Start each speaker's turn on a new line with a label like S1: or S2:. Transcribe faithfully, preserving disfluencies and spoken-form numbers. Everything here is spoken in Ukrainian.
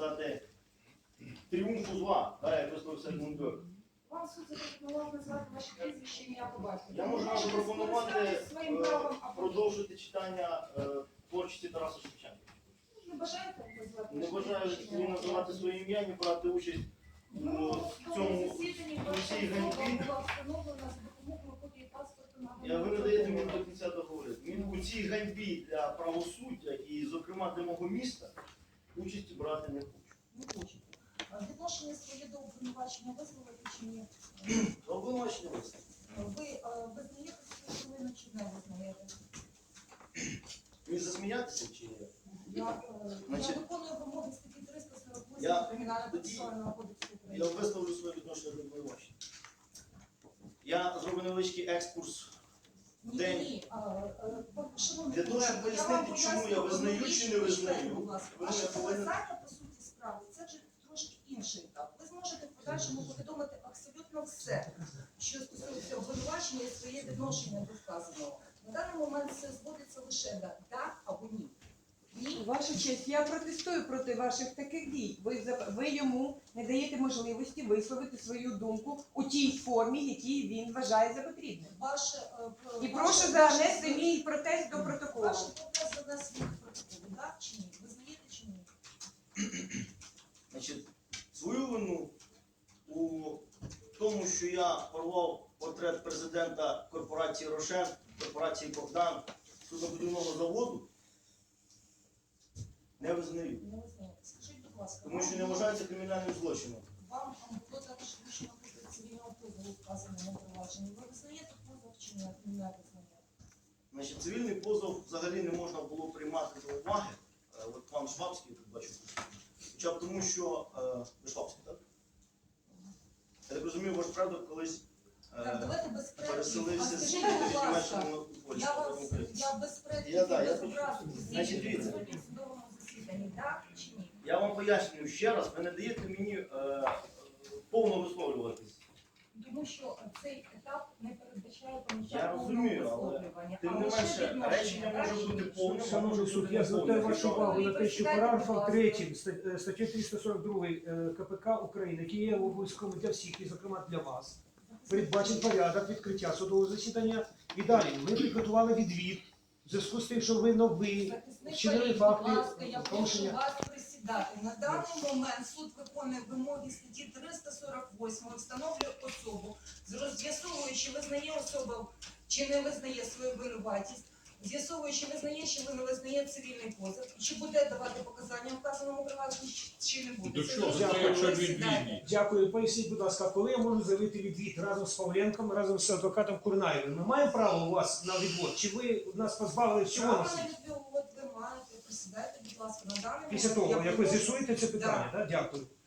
S1: сказати, тріумфу зла, да, як висловився Гундер.
S2: Вам суд запропонував назвати ваші прізвище, ім'я по батькові.
S1: Я можу вам запропонувати продовжити читання е, творчості Тараса Шевченка.
S2: Не бажаєте назвати?
S1: Не бажаю ні називати своє ім'я, ні брати участь у цьому у цій ганьбі. Я, ви не даєте мені до кінця договорити. Він у цій ганьбі для правосуддя і, зокрема, для мого міста, участі брати не хочу.
S2: Не хочете. Відношення своє до обвинувачення висловити чи ні?
S1: Обвинувачення висловити.
S2: Ви е, визнаєте свою хвилину чи не визнаєте?
S1: Мені засміятися чи ні?
S2: Я, е,
S1: Значить,
S2: я виконую вимоги статті триста сорок
S1: я-
S2: восьмого Кримінально-процесуального кодексу
S1: Я
S2: України.
S1: висловлю своє відношення до обвинувачення. Я зроблю невеличкий екскурс.
S2: Ні,
S1: День.
S2: ні, а, е, шановний
S1: Для того, щоб
S2: колега, я
S1: пояснити,
S2: вам
S1: чому я
S2: поясню,
S1: визнаю
S2: ви
S1: чи не визнаю,
S2: будь ласка.
S1: ви
S2: Ваше
S1: мене повинні-
S2: показання, по суті справи, це вже трошки інший етап. Ви зможете в подальшому повідомити абсолютно все, що стосується обвинувачення і своє відношення до сказаного. На даний момент все зводиться лише до так або ні. Ні.
S3: Ваша честь, я протестую проти ваших таких дій. Ви, за- ви йому не даєте можливості висловити свою думку у тій формі, якій він вважає за потрібне.
S2: Ваше, е, про-
S3: І
S2: ваше-
S3: прошу занести мій протест до протоколу.
S2: Ваше протест занесення до протоколу, так чи ні? Ви знаєте чи ні?
S1: Значить, свою вину у тому, що я порвав портрет президента корпорації «Рошен», корпорації «Богдан», суднобудівного заводу, не визнаю.
S2: Не визнаєте. Скажіть, будь ласка,
S1: Тому що не
S2: вам-
S1: вважається кримінальним злочином.
S2: Вам було також вручено позов цивільного позову вказаному провадженні. Ви визнаєте позов чи не, не визнаєте?
S1: Значить, цивільний позов взагалі не можна було приймати до уваги. Е, От пан Швабський, тут бачу, хоча б тому, що е, ви Швабський, так? Я так розумію, ваш предок колись е,
S2: Так, давайте без предків. А
S1: переселився з
S2: скажіть, будь ласка,
S1: Німеччини в Польщу.
S2: я вас, я без предків
S1: Я, да,
S2: і
S1: я
S2: без
S1: почув.
S2: образу.
S1: Значить, дивіться.
S2: Сьогодні в судовому засіданні, так чи ні?
S1: Я вам пояснюю ще раз, ви не даєте мені е, повно висловлюватись.
S2: Тому що цей етап не передбачає поняття
S1: Я
S2: повного
S1: розумію, але
S2: висловлювання.
S1: Тим
S2: А
S1: не
S2: лише
S1: менше,
S2: відношення,
S1: речення
S2: так,
S1: може
S2: чи
S1: бути
S2: ні?
S1: повним, а може
S4: Шановний суд,
S1: бути
S4: я звертаю
S1: неповним.
S4: вашу увагу на те, що параграфом третім статті триста сорок два КПК України, який є обов'язковим для всіх, і зокрема для вас, передбачить порядок відкриття судового засідання. І далі ми підготували відвід в зв'язку з тим, що ви новий,
S2: Захисник
S4: вчинили
S2: Фарід,
S4: факти
S2: будь ласка, я прошу
S4: порушення.
S2: вас присідати. На даний момент суд виконує вимоги статті триста сорок восьмої, встановлює особу, з'ясовуючи, визнає особа чи не визнає свою винуватість, з'ясовуючи, визнає чи не визнає цивільний позов, чи буде давати показання вказаному провадженні, чи не буде.
S5: До
S2: Це
S5: чого?
S2: зрозуміло,
S4: Якщо
S2: присідайте.
S5: відвідні.
S4: Дякую. Поясніть, будь ласка, коли я можу заявити відвід разом з Павленком, разом з адвокатом Курнаєвим? Ми маємо право у вас на відвод? Чи ви нас позбавили всього на
S2: Право на
S4: світ?
S2: відвід ви маєте, присідайте, будь ласка, на даний
S4: Після
S2: момент
S4: того,
S2: я
S4: як ви
S2: прошу-
S4: з'ясуєте це питання, так? Дякую.